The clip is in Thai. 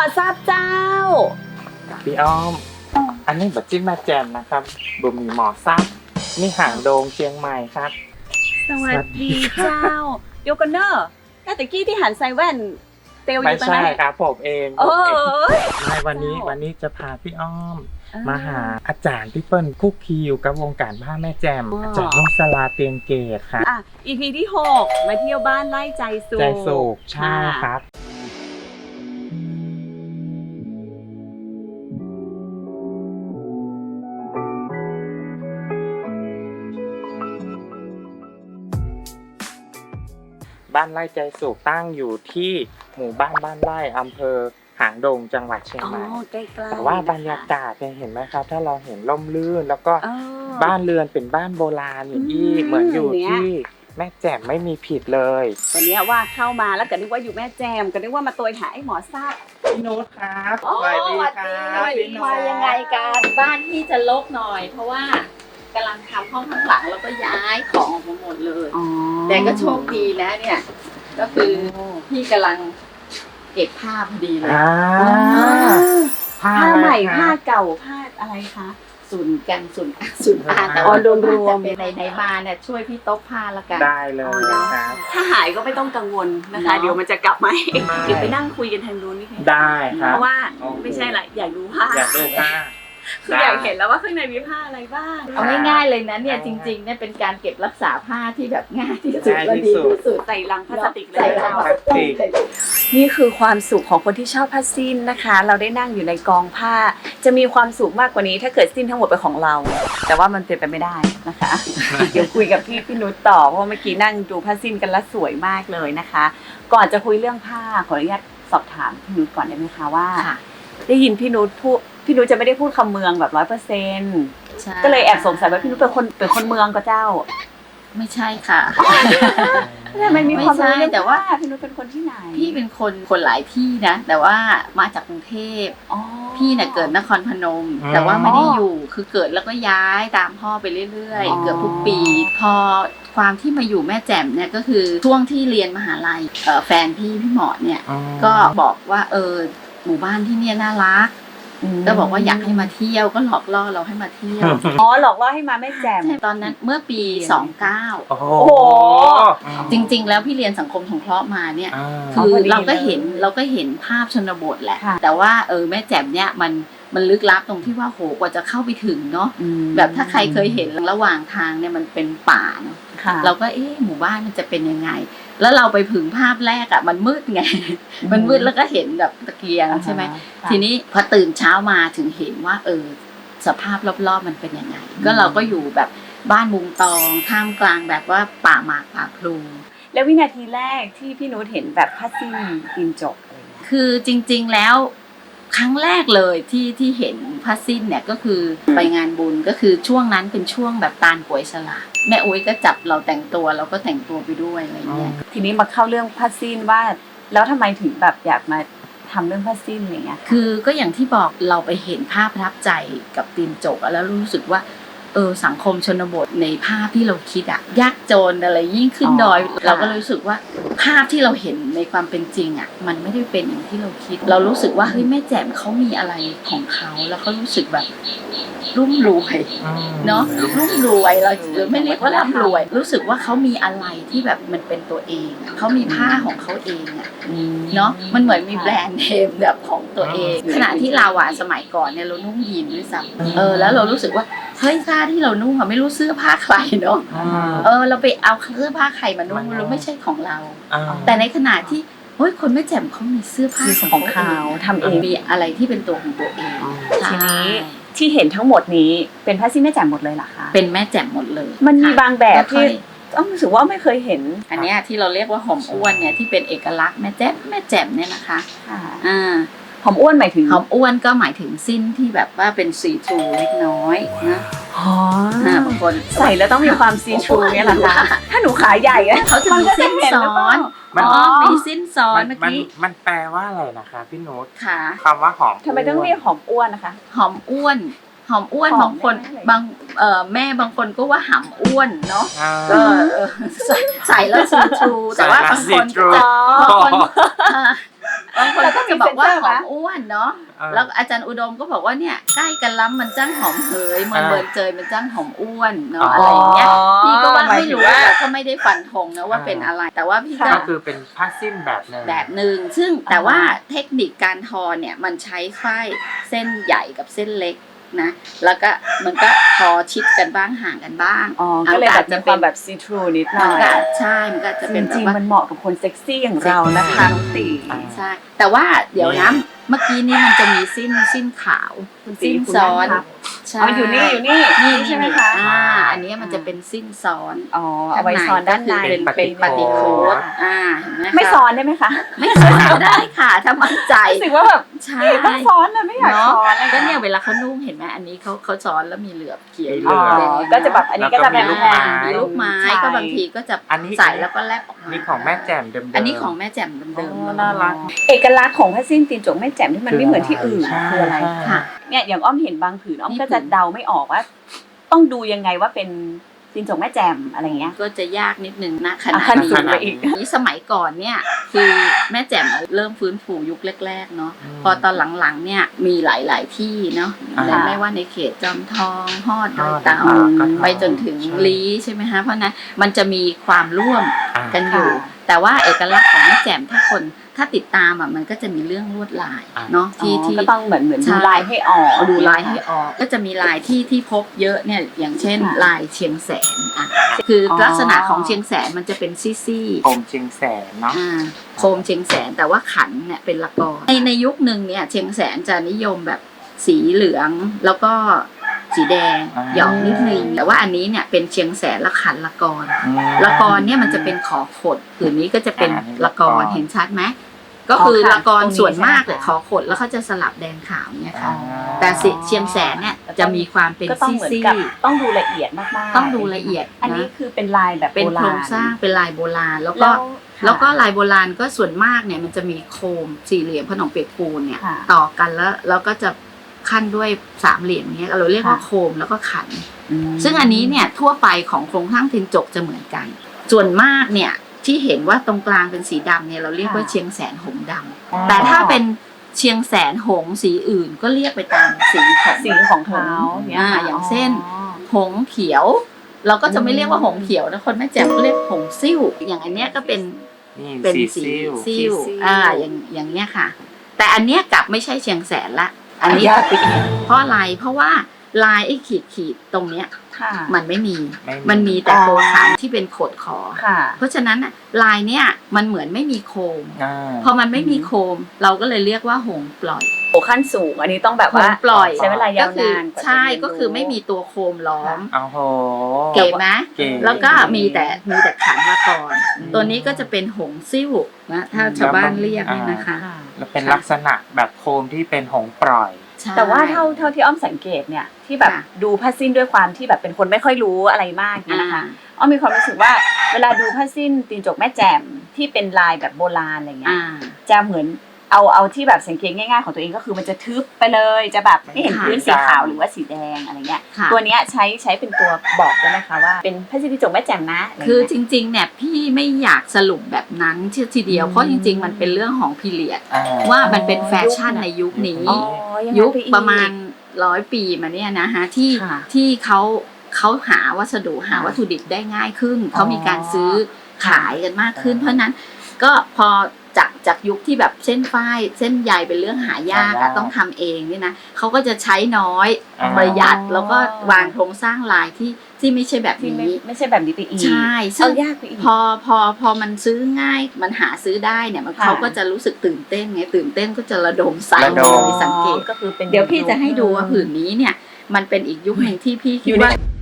ทราบเจ้าพี่อ้อมอันนี้บัตจิ้มมาแจมนะครับบุมีหมอซับนี่หางโดงเชียงใหม่ครับสวัสดีเจ้าโยกันเนอร์แต่ตะกี้ที่หันใส่แว่นเตลอยู่ตรงนั้นไม่ใช่ครับผมเองไม่วันนี้จะพาพี่อ้อมมาหาอาจารย์พี่เปิ้ลคุกคีอยู่กับวงการผ้าแม่แจมอาจารย์นุ่งสลาเตียงเกตครับ EP ที่6มาเที่ยวบ้านไล่ใจสุขใช่ครับบ้านไร่ใจสุขตั้งอยู่ที่หมู่บ้านไร่อำเภอหางดงจังหวัดเชียงใหม่แต่ว่าบรรยากาศเนี่ยเห็นไหมครับถ้าเราเห็นร่มรื่นแล้วก็บ้านเรือนเป็นบ้านโบราณอย่างนี้เหมือนอยู่ที่แม่แจ่มไม่มีผิดเลยวันนี้ว่าเข้ามาแล้วก็นึกว่าอยู่แม่แจ่มก็นึกว่ามาตัวหาไอ้หมอทราบพี่นุชครับสวัสดีครับพี่นุชมายังไงกันบ้านที่จะรกหน่อยเพราะว่ากำลังทำห้องข้างหลังแล้วก็ย้ายของออกมาหมดเลยแต่ก็โชคดีนะเนี่ยก็คือพี่กำลังเก็บผ้าพอดีเลยผ้าใหม่ผ้าเก่าผ้าอะไรคะส่วนผ้าแต่ว่าโดนรวมเป็นในมาเนี่ยช่วยพี่โต๊ะผ้าละกันได้เลยครับถ้าหายก็ไม่ต้องกังวลนะคะเดี๋ยวมันจะกลับมาเดี๋ยวไปนั่งคุยกันทางนู้นนี่ได้ครับเพราะว่าไม่ใช่ละอยากดูผ้าคืออยากเห็นแล้วว่าข้างในมีผ้าอะไรบ้างเอาง่ายๆเลยนะเนี่ยจริงๆเนี่ยเป็นการเก็บรักษาผ้าที่แบบง่ายที่สุดและดีที่สุดใส่ลังพลาสติกเลยนี่คือความสุขของคนที่ชอบผ้าสิ้นนะคะเราได้นั่งอยู่ในกองผ้าจะมีความสุขมากกว่านี้ถ้าเกิดสิ้นทั้งหมดเป็นของเราแต่ว่ามันเป็นไปไม่ได้นะคะเดี๋ยวคุยกับพี่นุชต่อเพราะเมื่อกี้นั่งดูผ้าสิ้นกันแล้วสวยมากเลยนะคะก่อนจะคุยเรื่องผ้าขออนุญาตสอบถามพี่นุชก่อนได้ไหมคะว่าได้ยินพี่นุชพูดพี่นุชจะไม่ได้พูดคำเมืองแบบ100%ก็เลยแอบสงสัยว่าพี่นุชเป็นคนเมืองก็เจ้าไม่ใช่ค่ะทำไมมีความรู้แต่ว่าพี่นุชเป็นคนที่ไหนพี่เป็นคนหลายที่นะแต่ว่ามาจากกรุงเทพพี่เนี่ยเกิดนครพนมแต่ว่าไม่ได้อยู่คือเกิดแล้วก็ย้ายตามพ่อไปเรื่อยๆเกือบทุกปีพอความที่มาอยู่แม่แจ่มเนี่ยก็คือช่วงที่เรียนมหาลัยแฟนพี่หมอเนี่ยก็บอกว่าหมู่บ้านที่เนี่ยน่ารักก็บอกว่าอยากให้มาเที่ยวก็หลอกล่อเราให้มาเที่ยวหลอกล่อให้มาแม่แจ่มตอนนั้นเมื่อปี29 โอ้โหจริงๆแล้วพี่เรียนสังคมสงเคราะห์มาเนี่ยคือเราก็เห็นภาพชนบทแหละแต่ว่าแม่แจ่มเนี่ยมันลึกลับตรงที่ว่าโหกว่าจะเข้าไปถึงเนาะแบบถ้าใครเคยเห็นระหว่างทางเนี่ยมันเป็นป่าเนาะเราก็หมู่บ้านมันจะเป็นยังไงแล้วเราไปถึงภาพแรกอ่ะมันมืดไงมันมืดแล้วก็เห็นแบบตะเกียงใช่ไหมทีนี้พอตื่นเช้ามาถึงเห็นว่าสภาพรอบๆมันเป็นยังไงก็เราก็อยู่แบบบ้านมุงตองท่ามกลางแบบว่าป่าหมากป่าพลูแล้ววินาทีแรกที่พี่นุชเห็นแบบผ้าสิ้นตีนจกคือจริงๆแล้วครั้งแรกเลยที่เห็นผ้าสิ้นเนี่ยก็คือไปงานบุญก็คือช่วงนั้นเป็นช่วงแบบตาลป่วยฉลาดแม่อุ้ยก็จับเราแต่งตัวเราก็แต่งตัวไปด้วยอะไรเงี้ยทีนี้มาเข้าเรื่องผ้าสิ้นว่าแล้วทำไมถึงแบบอยากมาทำเรื่องผ้าสิ้นอะไรเงี้ยคือก็อย่างที่บอกเราไปเห็นภาพประทับใจกับตีนจกแล้วรู้สึกว่าสังคมชนบทในภาพที่เราคิดอะยากจนอะไรยิ่งขึ้นดอยเราก็รู้สึกว่าภาพที่เราเห็นในความเป็นจริงอะมันไม่ได้เป็นอย่างที่เราคิดเรารู้สึกว่าเฮ้ยแม่แจ่มเขามีอะไรของเขาแล้วเขารู้สึกแบบรุ่มรวยเนาะรุ่มรวยเราไม่เรียกว่าร่ำรวยรู้สึกว่าเขามีอะไรที่แบบมันเป็นตัวเองเขามีผ้าของเขาเองอะเนาะมันเหมือนมีแบรนด์เนมแบบของตัวเองขณะที่เราอะสมัยก่อนเนี่ยเรานุ่งยีนด้วยซ้ำแล้วเรารู้สึกว่าเฮ้ยผ้าที่เรานุ่งอะไม่รู้เสื้อผ้าใครเนาะเราไปเอาเสื้อผ้าใครมานุ่งเราไม่ใช่ของเราแต่ในขณะที่เฮ้ยคนแม่แจ่มเขามีเสื้อผ้าของเขาทำเองมีอะไรที่เป็นตัวของตัวเองทีนี้ที่เห็นทั้งหมดนี้เป็นผ้าสิ้นแม่แจ่มหมดเลยเหรอคะเป็นแม่แจ่มหมดเลยมันมีบางแบบที่ต้องรู้สึกว่าไม่เคยเห็นอันนี้ที่เราเรียกว่าหอมอ้วนเนี่ยที่เป็นเอกลักษณ์แม่แจ่มเนี่ยนะคะหอมอ้วนหมายถึงหอมอ้วนก็หมายถึงสิ้นที่แบบว่าเป็นซีทรูเล็กน้อยนะบางคนใส่แล้วต้องมีความซีทรูเนี่ยแหละค่ะถ้าหนูขาใหญ่เขาจะมีสิ้นซ้อนมีสิ้นซ้อนเมื่อกี้มันแปลว่าอะไรนะคะพี่นุชค่ะคำว่าหอมทำไมต้องเรียกหอมอ้วนนะคะหอมอ้วนบางคนแม่บางคนก็ว่าหำอ้วนเนาะก็ใส่แล้วซีทรูแต่ว่าบางคนบางคนก็จะบอกว่าหอมนะอ้วนเนาะแล้วอาจารย์อุดมก็บอกว่าเนี่ยใกล้กันล้ำมันจ้างหอมเหยมันเบิร์นเจยมันจ้างหอมอ้วนเนาะอะไรอย่างเงี้ยพี่ก็ว่าไม่รู้แต่ก็ไม่ได้ฟันธงนะว่าเป็นอะไรแต่ว่าพี่ก็คือเป็นผ้าสิ้นแบบหนึ่งซึ่งแต่ว่าเทคนิคการทอเนี่ยมันใช้ฝ้ายเส้นใหญ่กับเส้นเล็กนะแล้วก็มันก็ทอชิดกันบ้างห่างกันบ้างก็เลยแบบจะเป็นแบบซีทรูนิดหน่อยใช่มันก็จะเป็นจริงๆมันเหมาะกับคนเซ็กซี่อย่างเรานะคะน้องตีใช่แต่ว่าเดี๋ยวนะเมื่อกี้นี้มันจะมีสิ้นขาวสิ้นซ้อนอยู่นี่ใช่ไหมคะอันนี้มันจะเป็นสิ้นซ้อนเอาไว้ซ้อนด้านในเป็นปฏิโคตไม่ซ้อนได้ไหมคะไม่ซ้อนได้ค่ะถ้ามั่นใจรู้สึกว่าแบบใช่ต้องซ้อนนะไม่อยากซ้อนก็เนี่ยเวลาเขานุ่งเห็นไหมอันนี้เขาซ้อนแล้วมีเหลือบเขียวก็จะแบบอันนี้ก็จะเป็นลูกไม้ก็บางทีก็จะใส่แล้วก็แลบออกมานี่ของแม่แจ่มเดิมอันนี้ของแม่แจ่มเดิมน่ารักเอกลักษณ์ของผ้าสิ้นตีนจกแม่แจ่มที่มันไม่เหมือนที่อื่นคืออะไรค่ะเนี่ยอย่างอ้อมเห็นบางผืนอ้อมก็จะเดาไม่ออกว่าต้องดูยังไงว่าเป็นตีนจกแม่แจ่มอะไรเงี้ยก็จะยากนิดนึงนะขนาดนี้สมัยก่อนเนี่ยคือแม่แจ่มเริ่มฟื้นฟูยุคแรกๆเนาะพอตอนหลังๆเนี่ยมีหลายๆที่เนาะไม่ว่าในเขตจอมทองฮอดดอยเต่าไปจนถึงลี้ใช่ไหมฮะเพราะนั้นมันจะมีความร่วมกันอยู่แต่ว่าเอกลักษณ์ของแม่แจ่มถ้าติดตามมันก็จะมีเรื่องลวดลายเนาะที่ก็ต้องเหมือนดูลายให้ออกก็จะมีลายที่พบเยอะเนี่ยอย่างเช่นลายเชียงแสนคือลักษณะของเชียงแสนมันจะเป็นซี่โคมเชียงแสนเนาะโคมเชียงแสนแต่ว่าขันเนี่ยเป็นละกอในยุคนึงเนี่ยเชียงแสนจะนิยมแบบสีเหลืองแล้วก็สีแดงหยอกนิดนึงแต่ว่าอันนี้เนี่ยเป็นเชียงแสนละขันละกรเนี่ยมันจะเป็นขอขดผืนนี้ก็จะเป็นละกรเห็นชัดไหมก็คือละกรส่วนมากเลยขอขดแล้วเขาจะสลับแดงขาวเนี่ยค่ะแต่เชียงแสนเนี่ยจะมีความเป็นซี่ต้องดูละเอียดมากๆต้องดูละเอียดอันนี้คือเป็นลายแบบเป็นโครงสร้างเป็นลายโบราณแล้วก็ลายโบราณก็ส่วนมากเนี่ยมันจะมีโคมสี่เหลี่ยมขนมเปียกปูนเนี่ยต่อกันแล้วก็จะขั้นด้วยสามเหลี่ยมเนี้ยเราเรียกว่าโคมแล้วก็ขันซึ่งอันนี้เนี่ยทั่วไปของโครงสร้างตีนจกจะเหมือนกันส่วนมากเนี่ยที่เห็นว่าตรงกลางเป็นสีดำเนี่ยเราเรียกว่าเชียงแสนหงดำแต่ถ้าเป็นเชียงแสนหงสีอื่นก็เรียกไปตามสีของเขาอย่างเช่นหงเขียวเราก็จะไม่เรียกว่าหงเขียวนะคนแม่แจ่มเรียกหงซิ่วอย่างอันเนี้ยก็เป็นสีซิ่วอย่างเนี้ยค่ะแต่อันเนี้ยกลับไม่ใช่เชียงแสนละอันนี้เพราะอะไรเพราะว่าลายไอ้ขีดตรงเนี้ยมันไม่มีมันมีแต่โคขันที่เป็นโขดขอเพราะฉะนั้นลายเนี้ยมันเหมือนไม่มีโคมพอมันไม่มีโคมเราก็เลยเรียกว่าหงปล่อยขั้นสูงอันนี้ต้องแบบว่าปล่อยใช้เวลายาวนานใช่ก็คือไม่มีตัวโคมล้อมเก๋ไหมแล้วก็มีแต่ขันมาก่อนตัวนี้ก็จะเป็นหงซิ่วนะถ้าชาวบ้านเรียกเนี่ยนะคะแล้วเป็นลักษณะแบบโคมที่เป็นหงปล่อยแต่ว่าเท่าที่อ้อมสังเกตเนี่ยที่แบบดูผ้าสิ้นด้วยความที่แบบเป็นคนไม่ค่อยรู้อะไรมากนะคะอ้อมมีความรู้สึกว่าเวลาดูผ้าสิ้นตีนจกแม่แจ่มที่เป็นลายแบบโบราณอะไรเงี้ยจะเหมือนเอาที่แบบสังเกตง่ายๆของตัวเองก็คือมันจะทึบไปเลยจะแบบไม่เห็นพื้นสีขาวหรือว่าสีแดงอะไรเงี้ยตัวเนี้ยใช้เป็นตัวบอกได้ไหมคะว่าเป็นผ้าสิ้นตีนจกแม่แจ่มนะคือจริงๆเนี่ยพี่ไม่อยากสรุปแบบนั้นทีเดียวเพราะจริงๆมันเป็นเรื่องของพีเรียดว่ามันเป็นแฟชั่นในยุคนี้ยุคประมาณ100 ปีมาเนี่ยนะฮะที่เขาหาวัสดุหาวัตถุดิบได้ง่ายขึ้นเขามีการซื้อขายกันมากขึ้นเพราะนั้นก็พอจากยุคที่แบบเส้นฝ้ายเส้นใยเป็นเรื่องหายากต้องทำเองนี่นะเขาก็จะใช้น้อยประหยัดแล้วก็วางโครงสร้างลายที่ไม่ใช่แบบนี้ไม่ใช่แบบนี้ไปอีกใช่ซึ่งพอมันซื้อง่ายมันหาซื้อได้เนี่ยเขาก็จะรู้สึกตื่นเต้นไงตื่นเต้นก็จะระดมใส่สังเกตก็คือเป็นเดี๋ยวพี่จะให้ดูว่าผืนนี้เนี่ยมันเป็นอีกยุคหนึ่งที่พี่คิดว่า